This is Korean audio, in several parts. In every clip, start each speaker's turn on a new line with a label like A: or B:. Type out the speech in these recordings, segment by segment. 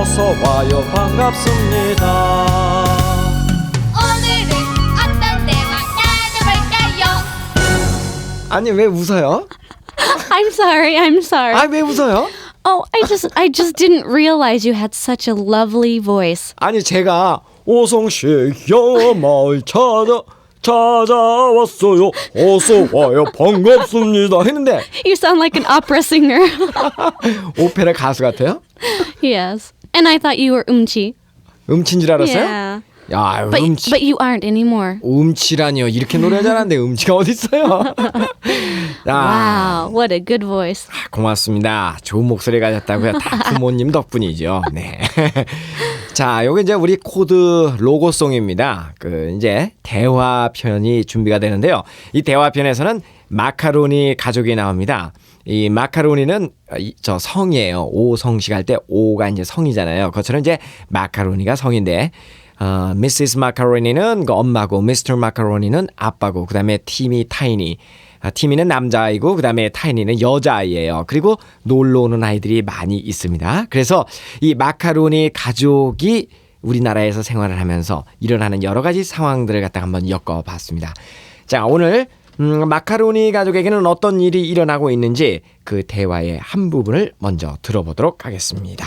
A: 어서 와요 반갑습니다.
B: 오늘은 어떤 대화 나눠볼까요?
A: 아니 왜 웃어요?
C: I'm sorry.
A: 아 왜 웃어요?
C: Oh, I just didn't realize you had such a lovely voice.
A: 아니 제가 오성씨야 마을 찾아왔어요. 어서 와요 반갑습니다 했는데
C: You sound like an opera singer.
A: 오페라 가수 같아요?
C: Yes. And I thought you were umchi.
A: 음치인 줄 알았어요?
C: Yeah.
A: 야
C: But
A: 음치
C: but you aren't anymore.
A: 음치라니요 이렇게 노래 잘하는데 음치가 어딨어요?
C: Wow, what a good voice.
A: 고맙습니다. 좋은 목소리 가졌다고요. 다 부모님 덕분이죠. 네. 자, 요게 이제 우리 코드 로고송입니다. 이제 대화편이 준비가 되는데요. 이 대화편에서는 마카로니 가족이 나옵니다. 이 마카로니는 저 성이에요. 오성식 할 때 오가 이제 성이잖아요. 그것처럼 이제 마카로니가 성인데, 미시스 마카로니는 그 엄마고, 미스터 마카로니는 아빠고, 그 다음에 티미 타이니. 티미는 남자아이고 그다음에 타이니는 여자아이예요. 그리고 놀러 오는 아이들이 많이 있습니다. 그래서 이 마카로니 가족이 우리나라에서 생활을 하면서 일어나는 여러 가지 상황들을 갖다가 한번 엮어봤습니다. 자, 오늘 마카로니 가족에게는 어떤 일이 일어나고 있는지 그 대화의 한 부분을 먼저 들어보도록 하겠습니다.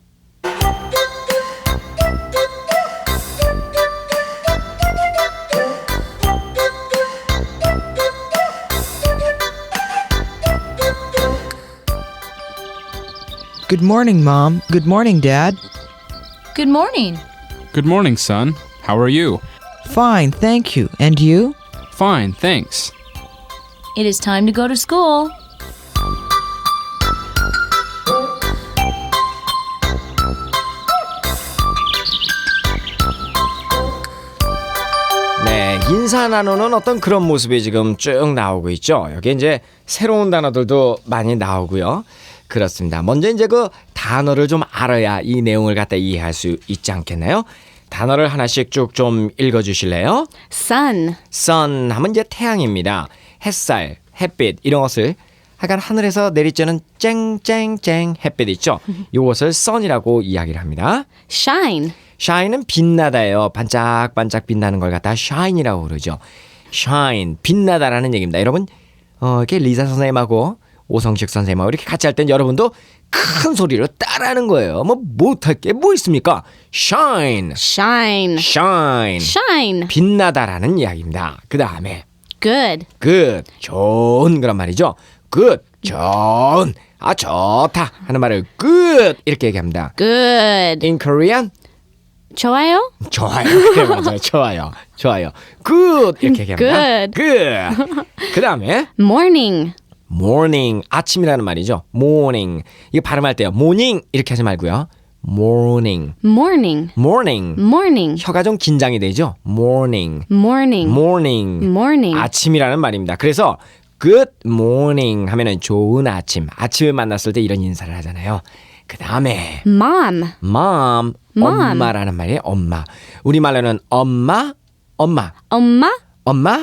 D: Good morning, Mom. Good morning, Dad.
B: Good morning.
E: Good morning, son. How are you?
D: Fine, thank you. And you?
E: Fine, thanks.
B: It is time to go to school.
A: 네, 인사 나누는 어떤 그런 모습이 지금 쭉 나오고 있죠. 여기 이제 새로운 단어들도 많이 나오고요. 그렇습니다. 먼저 이제 그 단어를 좀 알아야 이 내용을 갖다 이해할 수 있지 않겠나요? 단어를 하나씩 쭉 좀 읽어주실래요?
C: Sun.
A: sun 하면 이제 태양입니다. 햇살, 햇빛 이런 것을 하여간 하늘에서 내리쬐는 쨍쨍쨍 햇빛 있죠. 이것을 sun이라고 이야기를 합니다.
C: Shine.
A: shine은 빛나다예요. 반짝반짝 빛나는 걸 갖다 shine이라고 그러죠. shine, 빛나다라는 얘기입니다. 여러분 이렇게 리사 선생님하고 오성식 선생님하고 이렇게 같이 할 땐 여러분도 큰 소리로 따라하는 거예요. 뭐 못할 게 뭐 있습니까? shine,
C: Shine.
A: shine,
C: Shine.
A: 빛나다라는 이야기입니다. 그 다음에
C: Good.
A: good, 좋은 그런 말이죠. good, 좋은, 좋다 하는 말을 good 이렇게 얘기합니다.
C: Good.
A: In Korean,
C: 좋아요?
A: 좋아요. 그래 맞아요. 좋아요. 좋아요. good 이렇게 얘기합니다.
C: Good.
A: good. 그 다음에
C: Morning.
A: morning, 아침이라는 말이죠. morning. 이거 발음할 때요. morning 이렇게 하지 말고요. morning,
C: Morning.
A: morning.
C: Morning.
A: 혀가 좀 긴장이 되죠. morning,
C: Morning.
A: morning.
C: Morning.
A: 아침이라는 말입니다. 그래서 good morning 하면은 좋은 아침. 아침에 만났을 때 이런 인사를 하잖아요. 그 다음에
C: Mom.
A: mom,
C: Mom.
A: 엄마라는 말이에요. 엄마. 우리말로는 엄마, 엄마,
C: 엄마?
A: 엄마.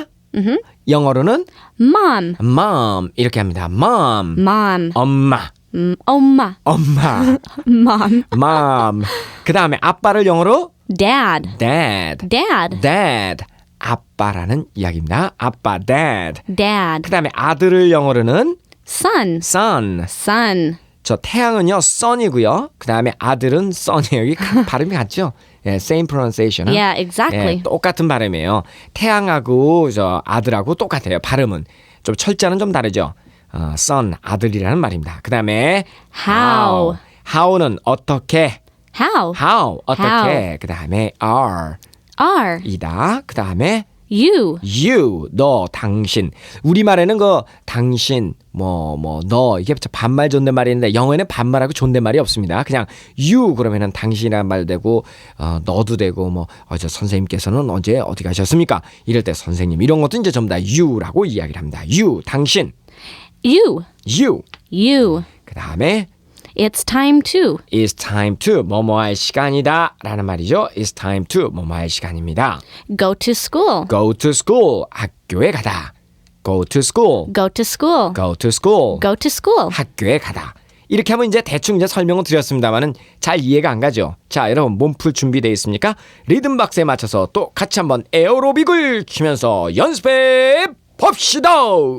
A: 영어로는
C: Mom.
A: mom 이렇게 합니다. mom,
C: Mom.
A: 엄마,
C: 엄마.
A: 엄마,
C: Mom.
A: mom. 그 다음에 아빠를 영어로
C: Dad.
A: dad,
C: Dad.
A: dad. 아빠라는 이야기입니다. 아빠, dad.
C: Dad.
A: 그 다음에 아들을 영어로는
C: Son.
A: son.
C: Son.
A: 저 태양은요 sun이고요. 그 다음에 아들은 sun이에요. 이게 발음이 같죠? 예, same pronunciation.
C: Yeah, exactly.
A: 예, 똑같은 발음이에요. 태양하고 저 아들하고 똑같아요. 발음은 좀 철자는 좀 다르죠. son 아들이라는 말입니다. 그 다음에
C: How.
A: how는 어떻게?
C: How?
A: how 어떻게? 그 다음에 are
C: Are.
A: 이다. 그 다음에
C: You.
A: you 너 당신. 우리말에는 그 당신 너 이게 반말 존댓말인데 영어에는 반말하고 존댓말이 없습니다. 그냥 you 그러면은 당신이란 말 되고 너도 되고 저 선생님께서는 언제 어디 가셨습니까? 이럴 때 선생님 이런 것도 이제 전부 다 you라고 이야기를 합니다. you 당신.
C: You.
A: you.
C: You.
A: 그 다음에
C: It's time to.
A: It's time to 뭐뭐 할 시간이다 라는 말이죠. It's time to 뭐뭐 할 시간입니다.
C: Go to school.
A: Go to school 학교에 가다. Go to school.
C: Go to school.
A: Go to school.
C: Go to school.
A: 학교에 가다. 이렇게 하면 이제 대충 이제 설명을 드렸습니다만은 잘 이해가 안 가죠. 자, 여러분 몸풀 준비되어 있습니까? 리듬 박스에 맞춰서 또 같이 한번 에어로빅을 추면서 연습해 봅시다.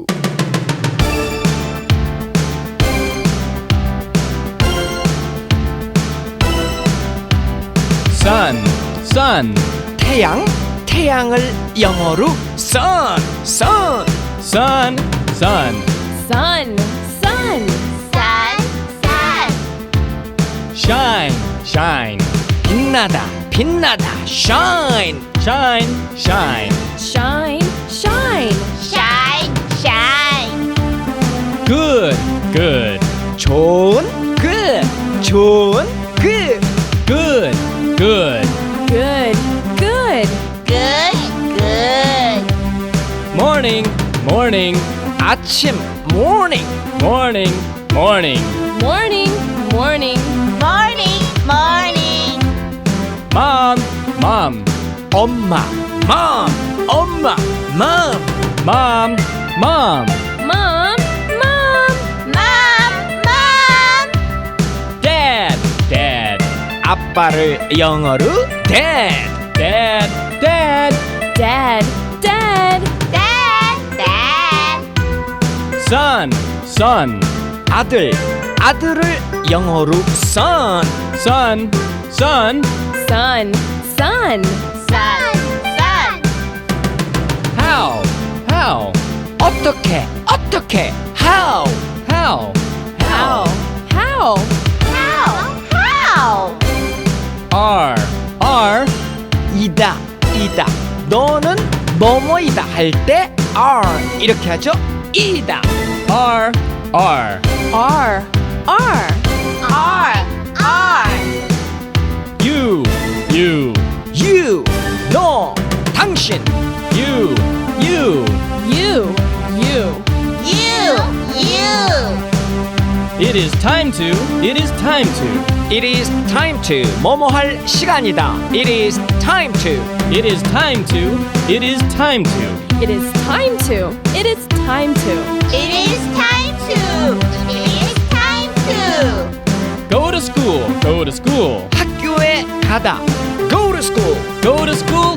E: Sun, sun,
A: 태양, 태양을 영어로 sun, sun.
E: sun, sun.
C: Sun, sun.
B: Sun, sun.
E: Shine, shine,
A: 빛나다, 빛나다, shine.
E: shine, shine.
C: Shine, shine.
B: Shine, shine.
E: Good, good,
A: 좋은, good, 좋은, good.
E: good, good.
C: Good, good.
B: Good, good.
E: Morning, morning,
A: 아침, morning.
E: morning, morning.
C: Morning, morning.
B: Morning, morning.
E: Mom, mom,
A: 엄마, mom, 엄마, mom.
E: mom, mom.
C: Mom, mom.
B: Mom, mom.
E: Dad, dad,
A: 아빠를 영어로 dad.
E: dad, dad.
C: Dad, dad.
B: Dad, dad.
E: Son, son,
A: 아들, 아들을 영어로 son.
E: son, son.
C: Sun, sun.
B: Sun, sun.
E: How, how,
A: 어떻게, 어떻게, how.
E: how,
C: How, how.
B: How, how.
E: are, are.
A: 이다, 이다. 너는 뭐뭐이다 할 때 are 이렇게 하죠. 이다.
E: are, are.
C: R, R.
B: R, R.
E: You, you,
A: you, 너, 당신.
E: you, you.
C: You, you.
B: You, you.
E: It is time to, it is time to.
A: It is time to 뭐뭐 할 시간이다. It is time to.
E: It is time to, it is time to.
C: It is time to. It is time to.
B: It is time to. It is time
E: Go to school, go to school.
A: 학교에 가다. Go to school.
E: Go to school,